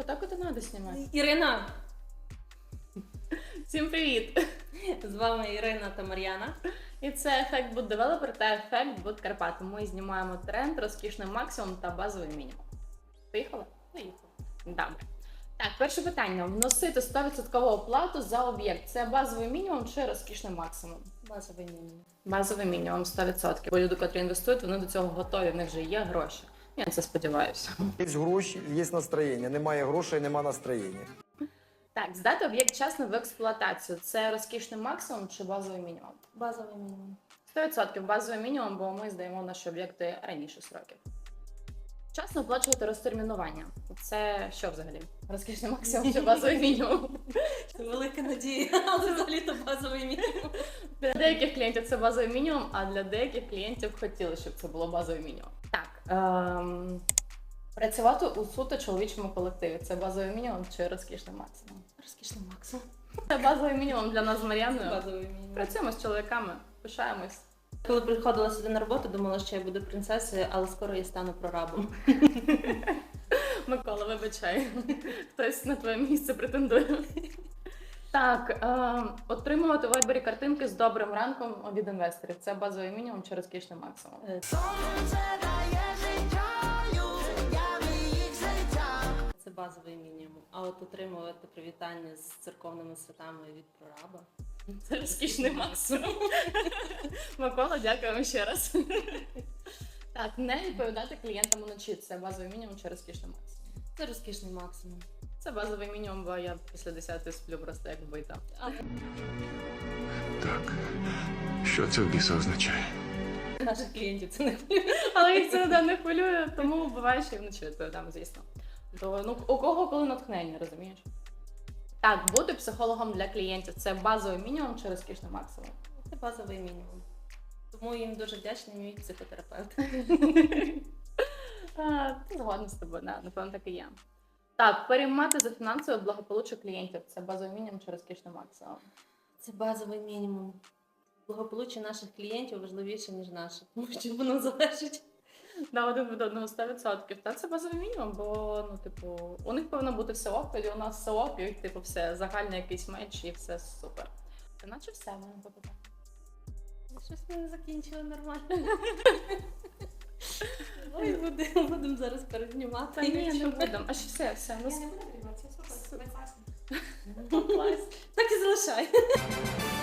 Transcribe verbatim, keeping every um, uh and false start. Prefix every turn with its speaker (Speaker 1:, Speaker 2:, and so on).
Speaker 1: так от і треба знімати.
Speaker 2: Ірина!
Speaker 1: Всім привіт!
Speaker 2: З вами Ірина та Мар'яна.
Speaker 1: І це ефект Boot Developer та ефект Boot Карпати. Ми знімаємо тренд, розкішний максимум та базовий мінімум. Поїхали?
Speaker 2: Поїхали.
Speaker 1: Добре. Так, перше питання. Вносити сто відсотків оплату за об'єкт. Це базовий мінімум чи розкішний максимум?
Speaker 2: Базовий мінімум.
Speaker 1: Базовий мінімум сто відсотків. Бо люди, котрі інвестують, вони до цього готові, в них вже є гроші. Я на це сподіваюся.
Speaker 3: Є гроші, є настроєння. Немає грошей, нема настроєння.
Speaker 1: Так, здати об'єкт вчасно в експлуатацію. Це розкішний максимум чи базовий мінімум?
Speaker 2: Базовий мінімум.
Speaker 1: сто відсотків базовий мінімум, бо ми здаємо наші об'єкти раніше сроків. Вчасно оплачувати розтермінування. Це що взагалі? Розкішний максимум чи базовий мінімум?
Speaker 2: Це велика надія, але взагалі-то базовий мінімум.
Speaker 1: Для деяких клієнтів це базовий мінімум, а для деяких клієнтів хотіли, щоб це було базовий мінімум. Так, ем... працювати у суто чоловічому колективі. Це базовий мінімум чи розкішний максимум?
Speaker 2: Розкішний максимум.
Speaker 1: Це базовий мінімум для нас з Мар'яною.
Speaker 2: Базовий мінімум.
Speaker 1: Працюємо з чоловіками, пишаємось.
Speaker 2: Коли приходила сюди на роботу, думала, що я буду принцесою, але скоро я стану прорабом.
Speaker 1: Микола, вибачай. Хтось на твоє місце претендує. Так, е, отримувати в вайбері картинки з добрим ранком від інвесторів. Це базовий мінімум чи розкішний максимум?
Speaker 2: Е, Це базовий мінімум. А от отримувати привітання з церковними святами від прораба.
Speaker 1: Це розкішний максимум. Микола, дякуємо ще раз. Так, не відповідати клієнтам уночі. Це базовий мінімум чи розкішний максимум?
Speaker 2: Це розкішний максимум.
Speaker 1: Це базовий мінімум, бо я після десятої сплю просто як вбита.
Speaker 2: А
Speaker 4: Так, що це в біса означає?
Speaker 2: наших клієнтів це не хвилює.
Speaker 1: Але їх це ніде не хвилює, тому буває, що і вночі відповідаємо, звісно. То, ну, у кого коли натхнення, розумієш? Так, бути психологом для клієнтів – це базовий мінімум чи розкішний максимум?
Speaker 2: Це базовий мінімум. Тому їм дуже вдячний мій психотерапевт.
Speaker 1: А, Згодна з тобою, да, напевно, так і є. Так, переймати за фінансове благополуччя клієнтів – це базовий мінімум чи розкішний максимум?
Speaker 2: Це базовий мінімум. Благополуччя наших клієнтів важливіше, ніж наше, тому що воно залежить.
Speaker 1: Да, один від одного сто відсотків. Та це базовий мінімум, бо, ну, типу, у них повинно бути все ок, тоді у нас все ок, і, типу, все, загальний якийсь меч, і все супер. Та наче все, в мене попитати.
Speaker 2: Щось ми не закінчили нормально. Ой, будемо будем зараз перезнімати.
Speaker 1: Та ні, не будемо. А що все, все. Ну,
Speaker 5: Я не буду перебивати, все супер,
Speaker 1: Супер.
Speaker 5: прекрасно.
Speaker 1: клас.
Speaker 2: Так і залишай.